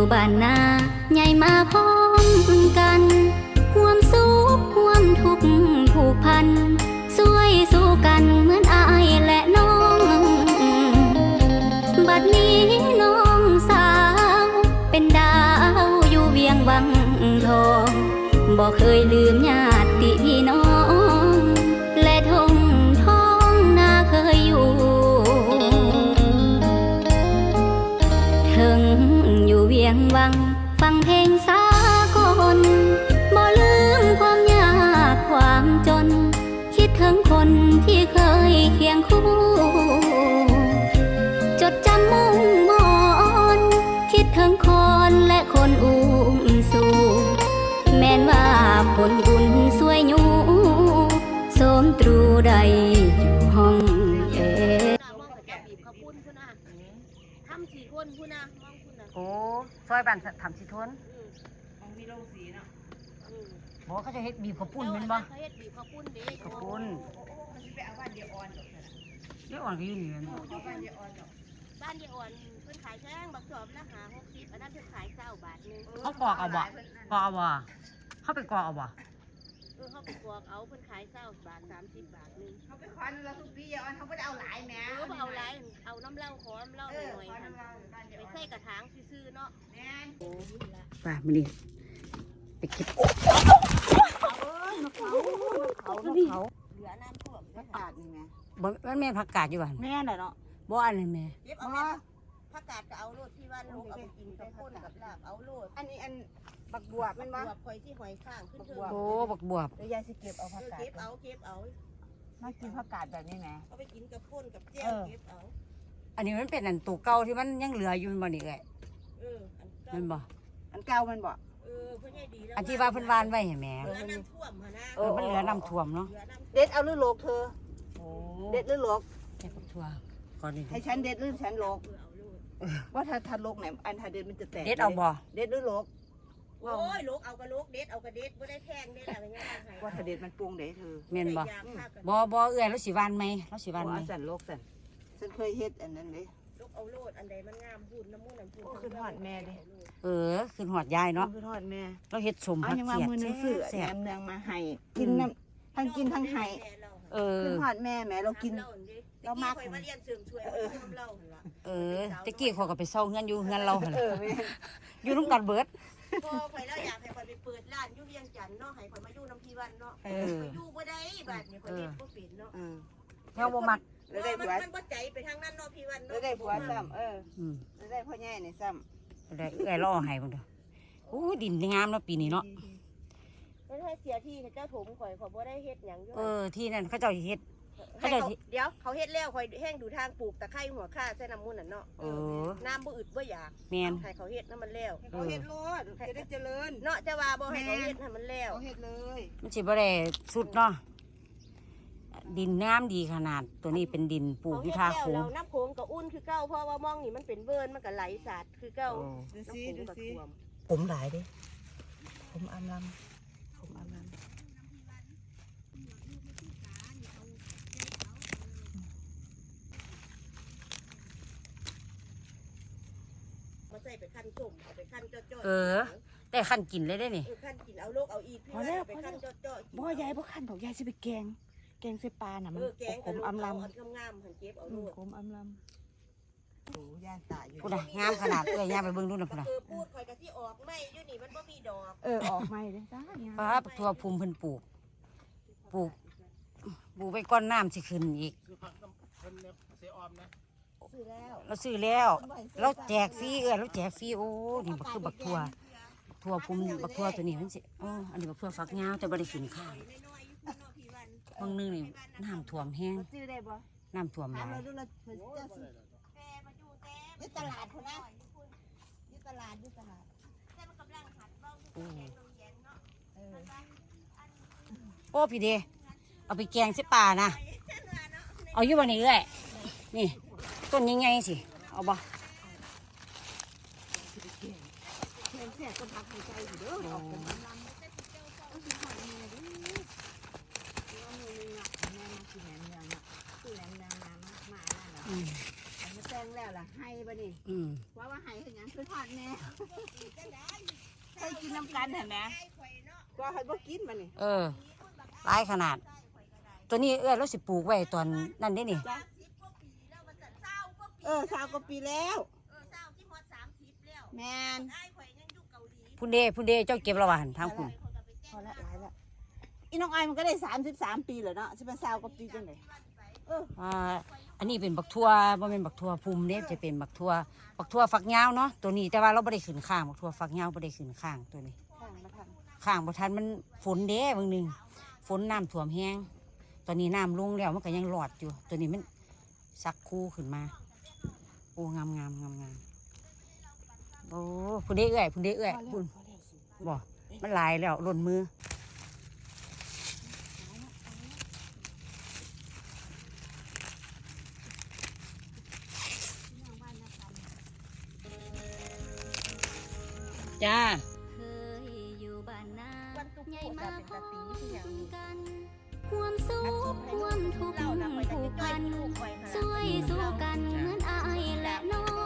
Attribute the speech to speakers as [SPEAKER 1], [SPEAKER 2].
[SPEAKER 1] บ้านนาใหญ่มาพร้อมกันห่วมสุขห่วมทุกข์ผูกพันช่วยสู้กันเหมือนอายและน้องบัดนี้น้องสาวเป็นดาวอยู่เวียงวังทองบ่เคยลืมญาติพี่น้องและทงท้องนาเคยอยู่ถึงอยู่เวียงวังฟังเพลงสากลบ่ลืมความยากความจนคิดถึงคนที่เคยเคียงคู่จดจำมุ่งมอนคิดถึงคนและคนอุ้มสู่แม้นว่าผลบุญสวยอยู่สมตรูใดอยู่ห้อง
[SPEAKER 2] ทำสี่คนพูนะมองพูนะ
[SPEAKER 3] โอ้ซอยบ้านทำสิทน
[SPEAKER 2] มันมีโรงสีเนาะ
[SPEAKER 3] บอกเขาจะเฮ็ดบีบข้าวปุ้นเป็นบ่
[SPEAKER 2] เขาเฮ็ดบีบข้าวปุ้นเด้
[SPEAKER 3] ข้าวปุ้น
[SPEAKER 2] มันสิไปเอาบ้านเดียวอ่อน
[SPEAKER 3] เดี๋ยวอ่อนก็อยู่นี่แม่นบ่
[SPEAKER 2] บ้านเดียวอ่อนบ้านเดียวอ่อนเพิ่นขายแพงบักจอบละ50อันนั้นเพิ่นขาย20 บาทนึง
[SPEAKER 3] เขากรอกเอาบ่กรอกเอาบ่เขาไปกรอกเอาบ่
[SPEAKER 2] เขาไปกรอกเอาเพิ่นขาย20 บาท30 บาทนึง
[SPEAKER 4] เขาไปควันเราทุกปีอ่อนเขาไม่ได้เอาหลายแม่
[SPEAKER 2] เอาหลายเอาน้ำเหล้าขอน้ำเหล้าหน่อยค่ะไปใส่กระถางซื่อๆเนาะ
[SPEAKER 4] แม่
[SPEAKER 3] ป่ามื้อนี้ไปเก็บเขาเห
[SPEAKER 2] ลือน้ำท่วม
[SPEAKER 4] ผักกาดนี่แม่
[SPEAKER 3] บ่มันแม่นผักกาดอยู่บ้าน
[SPEAKER 4] แม่น่ะเนาะ
[SPEAKER 3] บ่อันนี้แม่
[SPEAKER 2] เก็บเอาผักกาดก็เอาโลดที่ว่าลูกเอาไปกินกับข้นกับลาบเอาโลด
[SPEAKER 4] อันนี้อันบักบวบมันบ่
[SPEAKER 2] บวบข่อยที่หอยข้างขึ้นเทิง
[SPEAKER 3] โอ้บักบวบ
[SPEAKER 4] เดี๋ยวยายสิเก็บเอาผักกาด
[SPEAKER 2] เก็บเอา
[SPEAKER 4] มากินผักกาดแบบนี้แม่
[SPEAKER 2] เอาไปกินกับข้นกับแจ่วเก็บเอา
[SPEAKER 3] อันนี้มันเป็นอันตัวเก่าที่มันยังเหลืออยู่บ่นี่เอ้ยมันบ่
[SPEAKER 4] อันเก่ามันบ่
[SPEAKER 2] เพิ่นให้ดีแล้ว
[SPEAKER 3] อันที่ว่าเพิ่นวานไว้ให้แม่
[SPEAKER 2] เหลือน้ำท่วมหั่นนะ
[SPEAKER 3] มันเหลือน้ำท่วมเนาะ
[SPEAKER 4] เด็ดเอาหรือโลกเธอ
[SPEAKER 3] โอ้
[SPEAKER 4] เด็ดหรือโลก
[SPEAKER 3] เฮ็ดทั่วก่อนนี้
[SPEAKER 4] ให้ฉันเด็ดหรือฉันโลกว่าถ้าโลกไหนอันถ้าเด็ดมันจะแตก
[SPEAKER 3] เด็ดเอาบ่
[SPEAKER 4] เด็ดหรือโลก
[SPEAKER 2] โอ้ยโลกเอากระโลกเด็ดเอากระเด็ดบ่ได้แพงเด้ล่ะว่ายังไง
[SPEAKER 4] ว่าถ้าเด็ดมันปรุงเด้เธอ
[SPEAKER 3] แม่นบ่บ่เอื้อยแล้วสิวานไหมแล้วสิวานไหม
[SPEAKER 4] สั่นโลกสั่นฉันเคยเฮ็ดอันนั้นเด้
[SPEAKER 2] ลูกเอาโลดอันใดมันงามพูดน้ำมูกน้ำพูด
[SPEAKER 4] ขึ้นหอดแม่ดิ
[SPEAKER 3] ขึ้นหอดยายเนาะ
[SPEAKER 4] ขึ้นหอดแม่
[SPEAKER 3] เราเฮ็ดสมผักเสียด
[SPEAKER 4] แซ่บเนืองมาให้กินน้ำทั้งกินทั้งให้ขึ้นหอดแม่แม่เรากินเรามาก
[SPEAKER 2] ข่อยมาเรียนเสริมช่วยน้ำเล่าหั่นล่ะ
[SPEAKER 3] ตะกี้เขาก็ไปเซาเฮือนอยู่เฮือนเราหั่นอยู่นำกันเบิด
[SPEAKER 2] พอข่อยแล้วอยากให้ข่อยไปเปิดร้านอยู่เวียงจันทน์เนาะให้ข่อยมาอยู่น้ำพี่วันเนาะอยู่บ่ได้บัดนี้ข่อยเฮ็ดบ่เป็นเนาะ
[SPEAKER 3] แนวบ่มัก
[SPEAKER 4] แล้วได้ผัว
[SPEAKER 2] มันบ่ใจไปทางนั้นเนาะพี่วันเนาะ
[SPEAKER 4] แล้วได้ผัวซ้ำแล้วได้พ่อใหญ่นี่ซ้
[SPEAKER 3] ำได้เอื้อยรอให้เบิ่งเด้อโอ้ดินงามเนาะปีนี้เนาะ
[SPEAKER 2] แล้วถ้าเสียที่เจ้าถมข่อยบ่ได้เฮ็ดหยังอยู่
[SPEAKER 3] ที่นั่นเขาเจ้าเฮ็ด
[SPEAKER 2] เดี๋ยวเขาเฮ็ดแล้วข่อยแห้งดูทางปลูกตะไคร้หัวข่าใส่น้ำมูลน่ะเนาะน้ำบ่อึดบ่อยาก
[SPEAKER 3] แม่น
[SPEAKER 2] ให้เขาเฮ็ดน้ำมันแล้ว
[SPEAKER 4] เขาเฮ็ดโลดจะได้เจริญ
[SPEAKER 2] เนาะจะว่าบ่ให้เขาเฮ็ดให้มันแล้ว
[SPEAKER 4] เขาเฮ็ดเลย
[SPEAKER 3] มันสิบ่ได้สุดเนาะดินงามดีขนาดตัวนี้เป็นดินปลูกอยู่ท่าโค้ง
[SPEAKER 2] น้ำโค้งก็อุ่นคือเก่าเพราะว่ามองนี่มันเป็นเวิร์นมันก็ไหลสาดคือเก่า
[SPEAKER 4] ดูสิ
[SPEAKER 3] ผมหลายเด้
[SPEAKER 4] ผมอำลำ
[SPEAKER 2] มาใส่ไปขั้นส้มเอาไปขั้นจ่อ
[SPEAKER 3] แต่ขั้นกินเลยได้นี่
[SPEAKER 2] ขั้นกินเอาโลกเอาอีกพี่ไปขั้นจ่อ
[SPEAKER 4] บ่ยายบ่ขั้นดอกยายสิไปแกงใส่ปลาน่ะมันผมอำล
[SPEAKER 2] ำงามหันเก็บเอาโลด
[SPEAKER 4] ผมอำลำโอ้ย่านตายอยู่
[SPEAKER 3] พูดน่ะงามขนาดย่าไปเบิ่งดูน่ะพุ่นน่ะ
[SPEAKER 2] พูดข่อยก็สิออกไม่อยู่นี่มันบ่มีดอก
[SPEAKER 4] ออกไม่เด้จ้า
[SPEAKER 3] ทั่วภูมิเพิ่นปลูกไปก้อนน้ำสิขึ้นอีกเราซื้อแล้วเราแจกฟรีเราแจกฟรีโอ้นี่บักคือบักทั่วภูมิบักทั่วตัวนี้มันสิอันนี้บักทั่วฝักยาวแต่บ่ได้กินข้าวบางนึงนี่น้ำท่วมแห้งน้ำท่วมหลาย
[SPEAKER 4] อยู่ตลาดพุ่นนะอยู่ตลาด
[SPEAKER 3] โอ้พี่เดเอาไปแกงใส่ปลานะเอาอยู่วันนี้เลยนี่ต้นยังไงสิเอาบ่
[SPEAKER 4] แซ่บคนพักหายใจอยู่เด้อออกเป็นลำต้องกินหอยแม่ดิแม่มากินแหนมเนืองคือแหนมเนืองมานั่นแหละมันแซ่ล้งแล้วล่ะให้บ่นี่ว่าให้คือหยังคือทอดแม่เคยกินน้ำกันเห็นไหมว่าให้บ่กินบ่นี่
[SPEAKER 3] หลายขนาดตัวนี้เราสิปลูกไว้ตอนนั่นได้นี่
[SPEAKER 4] 20 กว่าปีแล้วแม่น
[SPEAKER 3] พุ่นเด้เจ้าเก็บระหว่างทางพุ่น
[SPEAKER 4] พอละหลายละอีน้องไอมันก็ได้33 ปีแล้วเนาะสิเป็น20 กว่าปีจังได๋
[SPEAKER 3] อันนี้เป็นบักทั่วบ่แม่นบักทั่วภูมิเด้จะเป็นบักทั่วฝักยาวเนาะตัวนี้แต่ว่าเราบ่ได้ขึ้นข้างบักทั่วฝักยาวบ่ได้ขึ้นข้างตัวนี้ข้างบ่ทันมันฝนเด้บางนึงฝนน้ำท่วมแห้งตอนนี้น้ำลงแล้วมันก็ยังรอดอยู่ตัวนี้มันสักคู่ขึ้นมาโอ้งามโอ้พุ่นเด้พุ่นบ่มันลายแล้วหล่นมือจ้า
[SPEAKER 1] เคยอยู่บ้านนาใหญ่มาพร้อมกันความสุขความทุกข์ผูกพันช่วยสู้กันเหมือนอายและน้อง